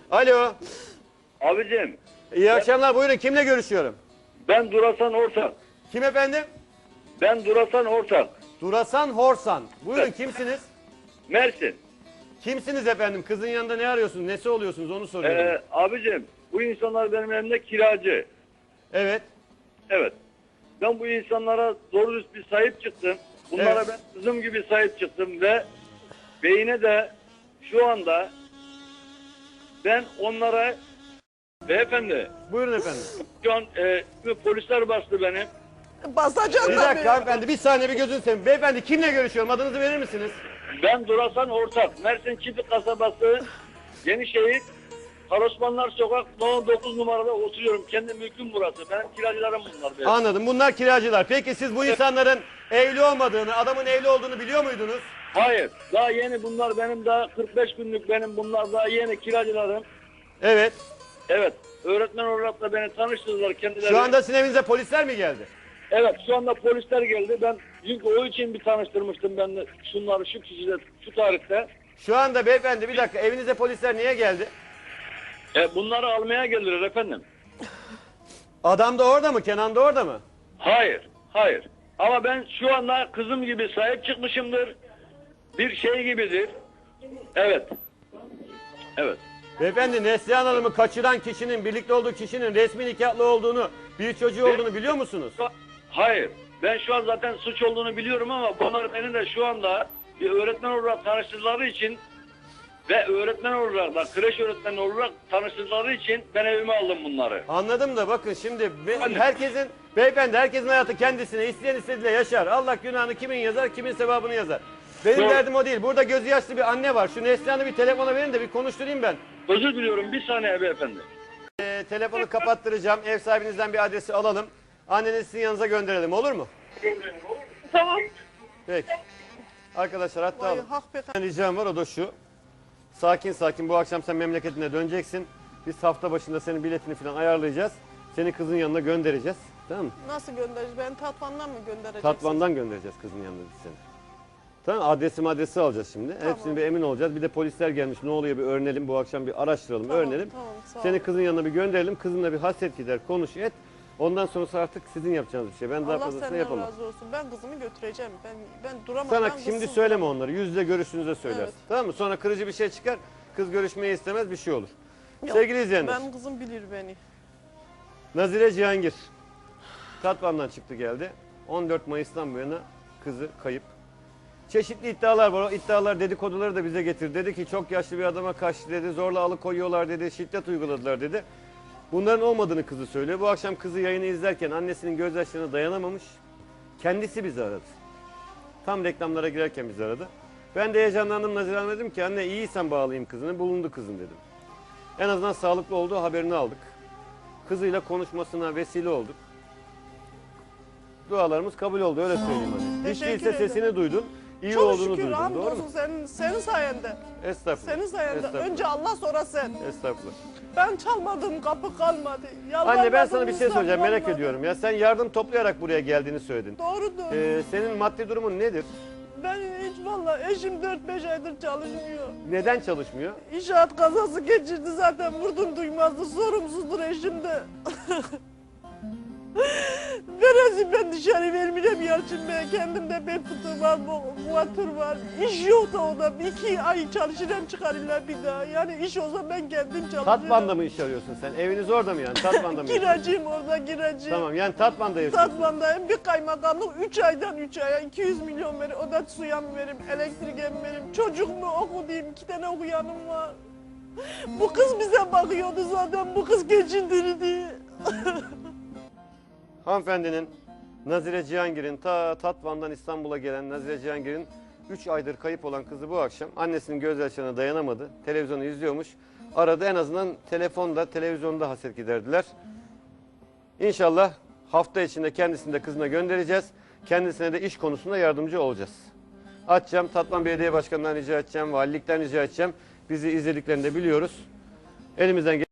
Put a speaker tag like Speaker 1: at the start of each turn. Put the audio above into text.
Speaker 1: Alo.
Speaker 2: Abicim.
Speaker 1: İyi akşamlar. Buyurun. Kimle görüşüyorum?
Speaker 2: Ben Durasan Ortak.
Speaker 1: Kim efendim?
Speaker 2: Ben Durasan Ortak.
Speaker 1: Durasan Horsan. Buyurun,
Speaker 2: Evet.
Speaker 1: kimsiniz?
Speaker 2: Mersin.
Speaker 1: Kimsiniz efendim? Kızın yanında ne arıyorsunuz? Nesi oluyorsunuz? Onu soruyorum.
Speaker 2: Abicim bu insanlar benim elimde kiracı.
Speaker 1: Evet.
Speaker 2: Evet. Ben bu insanlara doğru düz bir sahip çıktım. Bunlara
Speaker 1: Evet.
Speaker 2: ben kızım gibi sahip çıktım ve beyine de şu anda ben onlara beyefendi
Speaker 1: Buyurun efendim.
Speaker 2: şu an polisler bastı beni.
Speaker 3: Basacaksın
Speaker 1: Bir
Speaker 3: tabii.
Speaker 1: dakika hanımefendi. Bir saniye, bir gözünü seveyim. Beyefendi, kimle görüşüyorum? Adınızı verir misiniz?
Speaker 2: Ben Durasan Ortak. Mersin Çiftlik Kasabası Yenişehir Karosmanlar Sokak No. 9 numarada oturuyorum. Kendi mülküm burası. Benim kiracılarım bunlar. Benim.
Speaker 1: Anladım. Bunlar kiracılar. Peki siz bu insanların evli olmadığını, adamın evli olduğunu biliyor muydunuz?
Speaker 2: Hayır. Daha yeni bunlar benim daha 45 günlük benim bunlar daha yeni kiracılarım.
Speaker 1: Evet.
Speaker 2: Evet. Öğretmen olarak da beni tanıştırdılar kendileri.
Speaker 1: Şu anda sizin evinize polisler mi geldi?
Speaker 2: Evet. Şu anda polisler geldi. Ben çünkü o için bir tanıştırmıştım ben de şunları şu kişide şu tarihte.
Speaker 1: Şu anda beyefendi bir dakika, evinize polisler niye geldi?
Speaker 2: Bunları almaya geldiler efendim.
Speaker 1: Adam da orada mı? Kenan da orada mı?
Speaker 2: Hayır. Hayır. Ama ben şu anda kızım gibi sahip çıkmışımdır. Bir şey gibidir. Evet. Evet.
Speaker 1: Beyefendi, Neslihan Hanım'ı kaçıran kişinin, birlikte olduğu kişinin resmi nikahlı olduğunu, bir çocuğu olduğunu biliyor musunuz?
Speaker 2: Hayır. Ben şu an zaten suç olduğunu biliyorum ama bunlar beni de şu anda bir öğretmen olarak tanıştırdıkları için ve öğretmen olarak da kreş öğretmeni olarak tanıştırdıkları için ben evime aldım bunları.
Speaker 1: Anladım da bakın şimdi herkesin, beyefendi herkesin hayatı kendisine, isteyen istediğiyle yaşar. Allah günahını kimin yazar, kimin sevabını yazar. Benim
Speaker 2: Doğru.
Speaker 1: derdim o değil. Burada gözü yaşlı bir anne var. Şu Neslihan'ı bir telefona verin de bir konuşturayım ben.
Speaker 2: Özür diliyorum bir saniye beyefendi.
Speaker 1: Telefonu kapattıracağım. Ev sahibinizden bir adresi alalım. Annenizi sizin yanınıza gönderelim, olur mu?
Speaker 3: Tamam.
Speaker 1: Peki. Arkadaşlar hatta
Speaker 3: Vay,
Speaker 1: alın.
Speaker 3: hak be.
Speaker 1: Bir ricam var, o da şu. Sakin sakin bu akşam sen memleketine döneceksin. Biz hafta başında senin biletini falan ayarlayacağız. Seni kızın yanına göndereceğiz. Tamam mı?
Speaker 3: Nasıl göndereceğiz? Ben Tatvan'dan mı göndereceksiniz?
Speaker 1: Tatvan'dan göndereceğiz kızın yanına biz seni. Tamam, adresi alacağız şimdi.
Speaker 3: Tamam.
Speaker 1: Hepsini bir emin olacağız. Bir de polisler gelmiş, ne oluyor bir öğrenelim. Bu akşam bir araştıralım,
Speaker 3: Tamam,
Speaker 1: öğrenelim.
Speaker 3: tamam, sağ ol.
Speaker 1: Seni kızın yanına bir gönderelim. Kızınla bir hasret gider, konuş et. Ondan sonrası artık sizin yapacağınız bir şey. Ben daha
Speaker 3: Allah
Speaker 1: fazlasını
Speaker 3: senden
Speaker 1: yapamam.
Speaker 3: razı olsun. Ben kızımı götüreceğim. Ben duramam.
Speaker 1: Sana
Speaker 3: ben
Speaker 1: şimdi
Speaker 3: kızsız
Speaker 1: söyleme
Speaker 3: duramam.
Speaker 1: onları. Yüz yüze görüştüğünüzde söylersin.
Speaker 3: Evet.
Speaker 1: Tamam mı? Sonra kırıcı bir şey çıkar. Kız görüşmeyi istemez, bir şey olur.
Speaker 3: Yok,
Speaker 1: Sevgili izleyenler.
Speaker 3: Ben kızım bilir beni.
Speaker 1: Nazire Cihangir. Tatvan'dan çıktı geldi. 14 Mayıs'tan bu yana kızı kayıp. Çeşitli iddialar var. O iddialar, dedikoduları da bize getir. Dedi ki çok yaşlı bir adama kaçtı dedi. Zorla alıkoyuyorlar dedi. Şiddet uyguladılar dedi. Bunların olmadığını kızı söylüyor. Bu akşam kızı yayını izlerken annesinin gözyaşlarına dayanamamış. Kendisi bizi aradı. Tam reklamlara girerken bizi aradı. Ben de heyecanlandım, Nazire Hanım, dedim ki anne iyiysen bağlayayım kızını. Bulundu kızın dedim. En azından sağlıklı olduğu haberini aldık. Kızıyla konuşmasına vesile olduk. Dualarımız kabul oldu, öyle söyleyeyim hani. Hiç
Speaker 3: Teşekkür
Speaker 1: değilse
Speaker 3: ederim.
Speaker 1: sesini duydun, iyi
Speaker 3: Çok
Speaker 1: olduğunu
Speaker 3: şükür
Speaker 1: duydun, doğru
Speaker 3: hamdolsun
Speaker 1: mu?
Speaker 3: senin sayende.
Speaker 1: Estağfurullah.
Speaker 3: Senin sayende.
Speaker 1: Estağfurullah.
Speaker 3: Önce Allah sonra sen.
Speaker 1: Estağfurullah.
Speaker 3: Ben çalmadım, kapı kalmadı.
Speaker 1: Anne ben sana bir şey
Speaker 3: Yalvarmadım,
Speaker 1: söyleyeceğim, merak
Speaker 3: olmadı.
Speaker 1: ediyorum. Ya sen yardım toplayarak buraya geldiğini söyledin.
Speaker 3: Doğrudur.
Speaker 1: Senin maddi durumun nedir?
Speaker 3: Ben hiç vallahi eşim 4-5 aydır çalışmıyor.
Speaker 1: Neden çalışmıyor?
Speaker 3: İnşaat kazası geçirdi zaten, vurdum duymazdı, sorumsuzdur eşim de. Verezim ben dışarı vermeyeceğim Yalçın Bey, kendimde bel fıtığı var, muatır var. İş yok da o da 2 ay çalışırım çıkarırlar bir daha. Yani iş olsa ben kendim çalışırım.
Speaker 1: Tatvan'da mı iş arıyorsun sen? Eviniz orada mı yani? Tatvan'da mı? yaşıyorsun?
Speaker 3: Kiracıyım orada, kiracı.
Speaker 1: Tamam, yani Tatvan'da yaşıyorsun.
Speaker 3: Tatvan'dayım, bir kaymakamlık 3 aydan 3 aya 200 milyon verir. O da suya mı verim, elektriğe mi verim, çocuk mu okuyayım, 2 tane okuyanım var. Bu kız bize bakıyordu zaten, bu kız geçindirdi.
Speaker 1: Hanımefendinin, Nazire Cihangir'in, Tatvan'dan İstanbul'a gelen Nazire Cihangir'in 3 aydır kayıp olan kızı bu akşam annesinin gözyaşlarına dayanamadı. Televizyonu izliyormuş. Aradı, en azından telefonda, televizyonda hasret giderdiler. İnşallah hafta içinde kendisini de kızına göndereceğiz. Kendisine de iş konusunda yardımcı olacağız. Açacağım, Tatvan Belediye Başkanı'ndan rica edeceğim, valilikten rica edeceğim. Bizi izlediklerini de biliyoruz. Elimizden